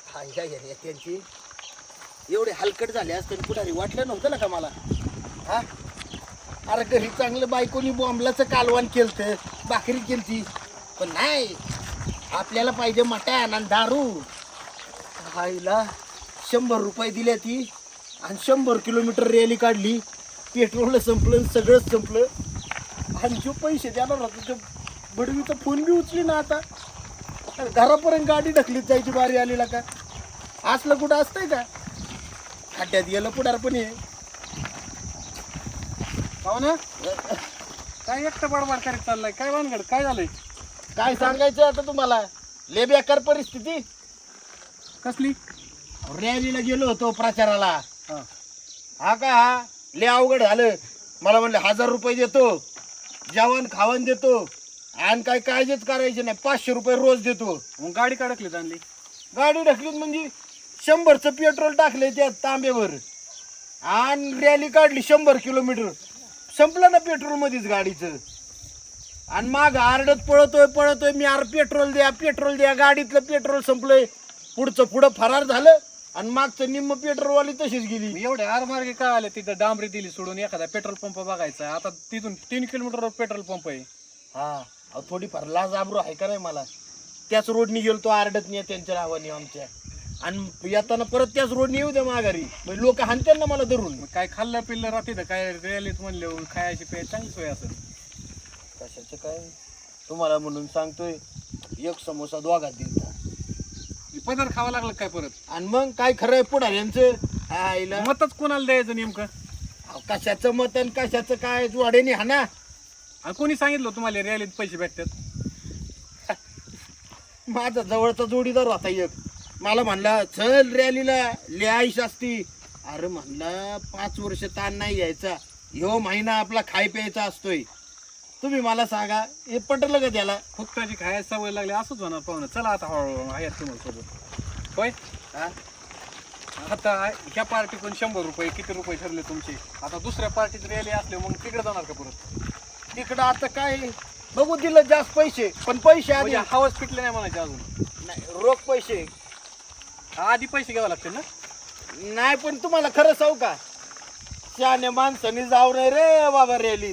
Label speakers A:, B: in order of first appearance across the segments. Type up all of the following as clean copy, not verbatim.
A: त्यांची एवढे हलकट झाले असते पुढारी वाटलं नव्हतं ना का मला. हा अरे घरी चांगलं बायकोनी बॉम्बलाचं कालवण केलतं, भाकरी केलती, पण नाही आपल्याला पाहिजे मटण आणि दारू. आईला 100 रुपये दिल्या ती आणि 100 किलोमीटर रॅली काढली. पेट्रोल संपलं, सगळंच संपलं. आणि जो पैसे देणार होता तो बडवीचा फोन बी उचली ना. आता घरापर्यंत गाडी ढकलीत जायची बारी आलेला का. असलं कुठं असतंय का. खड्ड्यात गेलं पुढार पण हे
B: हो ना. काय एकटं बडबड करीत चाललाय, काय भानगड, काय झालंय?
A: काय सांगायचं आता तुम्हाला. लय बेकार परिस्थिती.
B: कसली?
A: रॅलीला गेलो होतो प्रचाराला.
B: हा.
A: हा का हा लय अवघड झालं. मला म्हणले 1000 रुपये देतो, जेवण खावण देतो आणि काय काळजीच करायची नाही, 500 रुपये रोज देतो.
B: मग गाडी काढकली आणली.
A: गाडी ढकलीत म्हणजे 100चं पेट्रोल टाकले त्या तांब्यावर आणि रॅली काढली 100 किलोमीटर. संपलं ना पेट्रोल मध्येच गाडीचं. आणि माग आरडत पळतोय मी, अरे पेट्रोल द्या. गाडीतलं पेट्रोल संपलंय. पुढचं पुढं फरार झालं आणि मागचं निम्म पेट्रोलवाली तशीच गेली.
B: एवढे आरमार्गे काय आले तिथं, डांबरी दिली सोडून एखादा पेट्रोल पंप बघायचा. आता तिथून 3 किलोमीटरवर पेट्रोल पंप आहे.
A: हा अहो थोडीफार लाज आबरू आहे का नाही मला. त्याच रोडनी गेलो तो आरडत नाही त्यांच्या नावाने आमच्या, आणि येताना परत त्याच रोडनी येऊ द्या माघारी. लोक हाणतात ना मला धरून.
B: मग काय खाल्लं पिल्लं राहते तर काय रॅलीत म्हणले खायची पे चांगली सोय असेल.
A: कशाचं काय तुम्हाला म्हणून सांगतोय, एक समोसा दोघात दिलता.
B: पदर खावा लागलं काय परत.
A: आणि मग काय खरंय पुढाऱ्यांचं आईला.
B: मतच कोणाला द्यायचं नेमकं.
A: कशाचं मत आणि कशाचं काय वाड्याने हाना.
B: आणि कोणी सांगितलं तुम्हाला रॅलीत पैसे भेटतात?
A: माझा जवळचा जोडीदार होता एक. मला म्हणला चल रॅलीला लय आईश असती. अरे म्हणला 5 वर्ष ताण नाही घ्यायचा, ह्यो महिना आपला खाय प्यायचा असतोय. तुम्ही मला सांगा हे पटलं का त्याला.
B: फुकटाची खायची सवय लागली असंच होणार पाहुणं. चला आता हळूहळू आहेत तुम्हाला सोबत. होय
A: हा
B: आता ह्या पार्टीकडून 100 रुपये किती रुपये ठरले तुमचे. आता दुसऱ्या पार्टीत रॅली असले मग तिकडे जाणार का परत?
A: तिकडं आता काय बघू, दिलं जास्त पैसे, पण पैसे आधी
B: म्हणजे हवाच पिटले नाही म्हणायचे अजून.
A: नाही, रोख पैसे
B: आधी पैसे घ्यावे लागतील ना.
A: नाही. पण तुम्हाला खरं सांगू का, शहाण्या माणसाने जाऊ नये रे बाबा रॅलीत.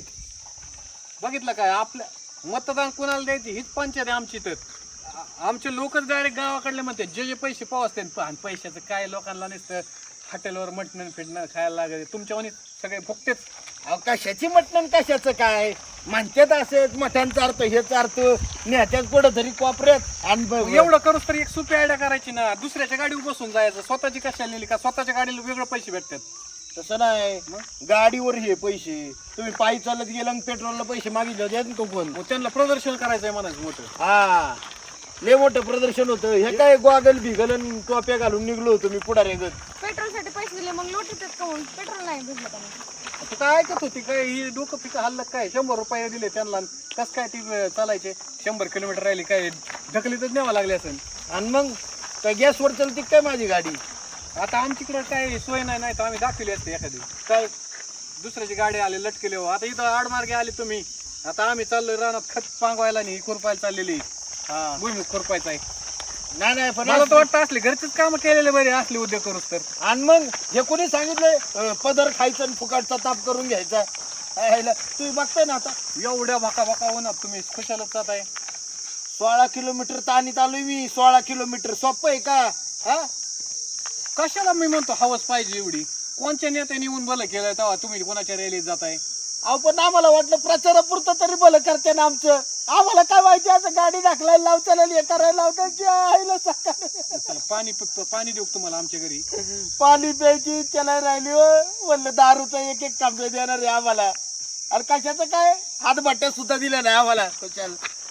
B: बघितलं काय, आपल्या मतदान कोणाला द्यायची हीच पंचायत आहे आमची. तर आमचे लोकच डायरेक्ट गावाकडले म्हणते जे पैसे पावसते. आणि पैशाचं काय लोकांना नसतं, हॉटेलवर मटण फिटणं खायला लागत. तुमच्यावानी सगळे फुकतेच.
A: अहो कशाची मटण कशाचं काय म्हणतात. असेच मटण चारतो हे चारतो नेत्यात कुठं तरी कोपऱ्यात. आणि
B: एवढं करूच तर एक सोपी आयडिया करायची ना. दुसऱ्याच्या गाडीवर बसून जायचं. स्वतःची कशाला नेली का, स्वतःच्या गाडीला वेगळे पैसे भेटतात.
A: तसं नाही, गाडीवर हे पैसे. तुम्ही पायी चालत गेला आणि पेट्रोलला पैसे मागितले होते तो कोण.
B: मग त्यांना प्रदर्शन करायचंय म्हणायचं मोठं.
A: हा लय मोठं प्रदर्शन होतं. हे काय गॉगल बिगल आणि टोप्या घालून निघलो होतो मी पुढारी.
C: पेट्रोल साठी पैसे दिले मग लोटीत काऊन पेट्रोल नाही भेटलं का मग?
B: आता काय ऐकत होती काय ही डोकं पिकं हल्लं काय. 100 रुपये दिले त्यांना, कस काय ती चालायचे 100 किलोमीटर राहिली काय ढकलीतच न्यावं लागले असेल.
A: आणि मग काय गॅसवर चलती काय माझी गाडी.
B: आता आमच्याकडे काय सोय नाही तर आम्ही दाखवली असते एखादी. काय दुसऱ्याची गाडी आली लटकेले हो. आता इथं आडमार्गे आले तुम्ही. आता आम्ही चाललोय रानात खत पांगवायला नाही, खुरपायला चाललेली. भुईमुख खुरपायचा आहे.
A: नाही पण
B: मला तर वाटतं असले घरचेच काम केलेले बरे असले उद्योग करूच तर.
A: आणि मग हे कोणी सांगितलंय पदर खायचं आणि फुकाटचा ताप करून घ्यायचा. तुम्ही बघताय ना आता
B: एवढ्या भाका होणार तुम्ही खुशालच जात आहे.
A: 16 किलोमीटर ताणीत आलोय मी. 16 किलोमीटर सोपं आहे का. हा
B: कशाला मी म्हणतो हवस पाहिजे एवढी. कोणच्या नेत्याने येऊन भलं केलं तेव्हा तुम्ही कोणाच्या रॅलीत जाताय.
A: अहो पण आम्हाला वाटलं प्रचारापुरतं तरी भलं करते ना आमचं. आम्हाला काय माहिती असं गाडी दाखलायला लावताना हे करायला लावतात.
B: पाणी देऊ तुम्हाला आमच्या घरी.
A: पाणी प्यायची इच्छा नाही राहिली हो. म्हणलं दारूचं एक कांबे देणार आहे आम्हाला. अरे कशाचं काय हातभट्ट्या सुद्धा दिल्या नाही आम्हाला. कशाला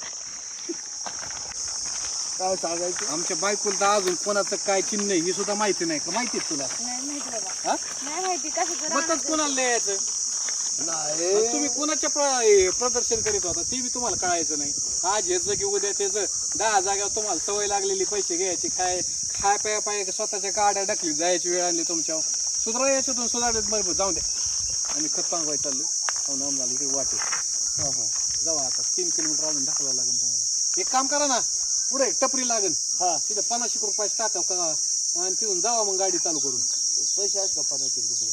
A: काय सांगायचं.
B: आमच्या बायकोला तर अजून कोणाचं काय चिन्ह ही सुद्धा माहिती नाही का. माहिती तुला?
C: नाही माहिती बाबा.
B: हा?
C: नाही माहिती कसं
B: मतच कोणाला द्यायचं.
A: नाही
B: तुम्ही कोणाच्या प्रदर्शन करीत होता ते बी तुम्हाला कळायचं नाही. आज ह्याचं की उद्या त्याचं 10 जाग्यावर तुम्हाला सवय लागलेली पैसे घ्यायची. खाय प्या पाय स्वतःच्या गाड्या ढकली जायची वेळ आणली तुमच्यावर. सुधारा याच्यातून सुधारत बरोबर जाऊ द्या. आम्ही खत पांगवाय चाललोय आम्हाला इकडे वाटे. जाऊ आता 3 किलोमीटर अजून ढकलावं लागेल तुम्हाला. एक काम करा ना, पुढे टपरी लागेल. तिथे 50 रुपयाची टाका आणि तिथून जावा मग गाडी चालू करून.
A: पैसे आहेत का 50 रुपये?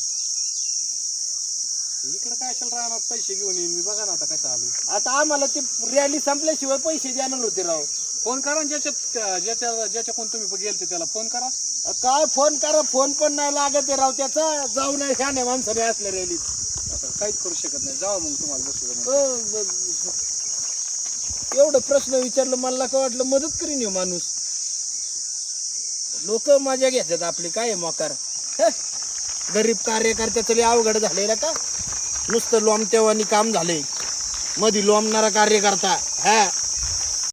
B: इकडे काय असेल राहणार पैसे घेऊन येईन मी. बघा ना आता कसं आलो.
A: आता आम्हाला ती रॅली संपल्याशिवाय पैसे देणार होते राव.
B: फोन करा ना ज्याच्याकडून तुम्ही गेलते त्याला फोन करा.
A: काय फोन करा, फोन पण नाही लागत आहे राव त्याचा. जाऊ नये ह्या नाही माणसाने असल्या रॅलीत.
B: आता काहीच करू शकत नाही. जावा मग तुम्हाला बसू.
A: एवढं प्रश्न विचारलं मला काय वाटलं मदत करीन हे माणूस. लोक मजा घेतात आपली. काय आहे मोकार. गरीब कार्यकर्त्याचं लय अवघड झालेलं का. नुसतं लोमत्यावानी काम झालंय. मधी लोमणारा कार्यकर्ता. हा